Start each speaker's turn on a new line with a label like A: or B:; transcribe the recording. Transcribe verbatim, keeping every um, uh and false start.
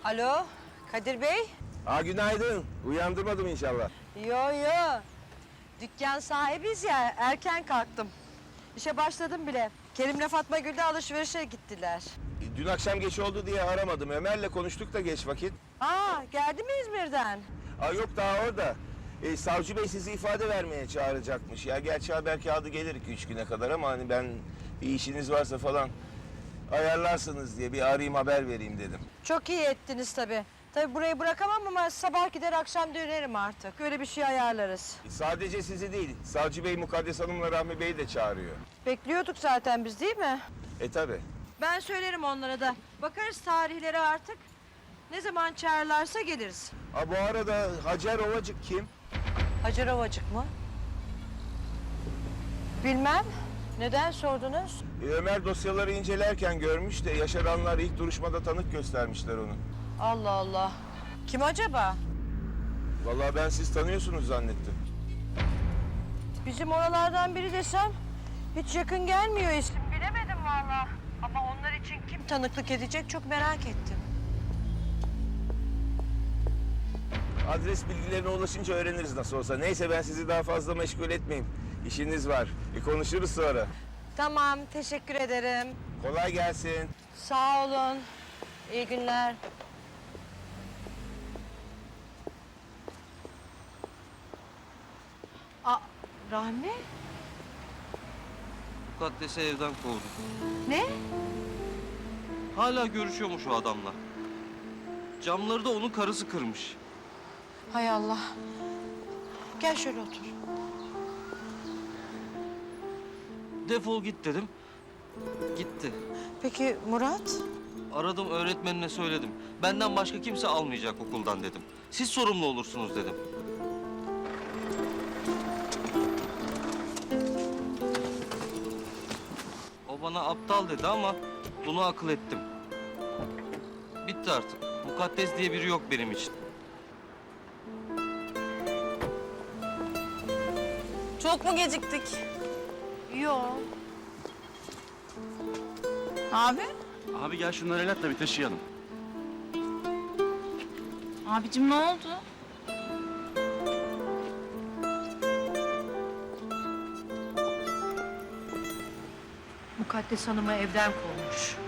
A: Alo, Kadir Bey?
B: Aa, günaydın. Uyandırmadım inşallah.
A: Yo yo. Dükkan sahibiyiz ya, erken kalktım. İşe başladım bile. Kerim'le Fatma Gül de alışverişe gittiler.
B: E, Dün akşam geç oldu diye aramadım. Ömer'le konuştuk da geç vakit.
A: Aa, geldi mi İzmir'den?
B: Aa, yok daha orada. E, savcı bey sizi ifade vermeye çağıracakmış. Ya gerçi haber kağıdı gelir iki üç güne kadar ama hani ben bir işiniz varsa falan ayarlarsınız diye bir arayayım haber vereyim dedim.
A: Çok iyi ettiniz tabii. Tabii burayı bırakamam ama sabah gider akşam dönerim artık. Öyle bir şey ayarlarız.
B: E, sadece sizi değil, savcı bey Mukaddes Hanım'la Rahmi Bey'i de çağırıyor.
A: Bekliyorduk zaten biz değil mi?
B: E tabi.
A: Ben söylerim onlara da. Bakarız tarihlere artık. Ne zaman çağırırlarsa geliriz.
B: Ha, bu arada Hacer Ovacık kim?
A: Hacer Ovacık mı? Bilmem. Neden sordunuz?
B: E, Ömer dosyaları incelerken görmüş de yaşaranlar ilk duruşmada tanık göstermişler onu.
A: Allah Allah. Kim acaba?
B: Vallahi ben siz tanıyorsunuz zannettim.
A: Bizim oralardan biri desem hiç yakın gelmiyor isim. Bilemedim vallahi. Ama onlar için kim tanıklık edecek çok merak ettim.
B: Adres bilgilerine ulaşınca öğreniriz nasıl olsa. Neyse ben sizi daha fazla meşgul etmeyeyim. İşiniz var. E, konuşuruz sonra.
A: Tamam, teşekkür ederim.
B: Kolay gelsin.
A: Sağ olun. İyi günler. Aa, Rahmi?
C: Mukaddes'i evden kovdu.
A: Ne?
C: Hala görüşüyormuş o adamla. Camları da onun karısı kırmış.
A: Hay Allah. Gel şöyle otur.
C: Defol git dedim. Gitti.
A: Peki Murat?
C: Aradım öğretmenine söyledim. Benden başka kimse almayacak okuldan dedim. Siz sorumlu olursunuz dedim. O bana aptal dedi ama bunu akıl ettim. Bitti artık. Mukaddes diye biri yok benim için.
D: Çok mu geciktik?
A: Yok.
D: Abi?
E: Abi gel şunları el at da bir taşıyalım.
D: Abicim ne oldu?
A: Mukaddes Hanım'ı evden kovmuş.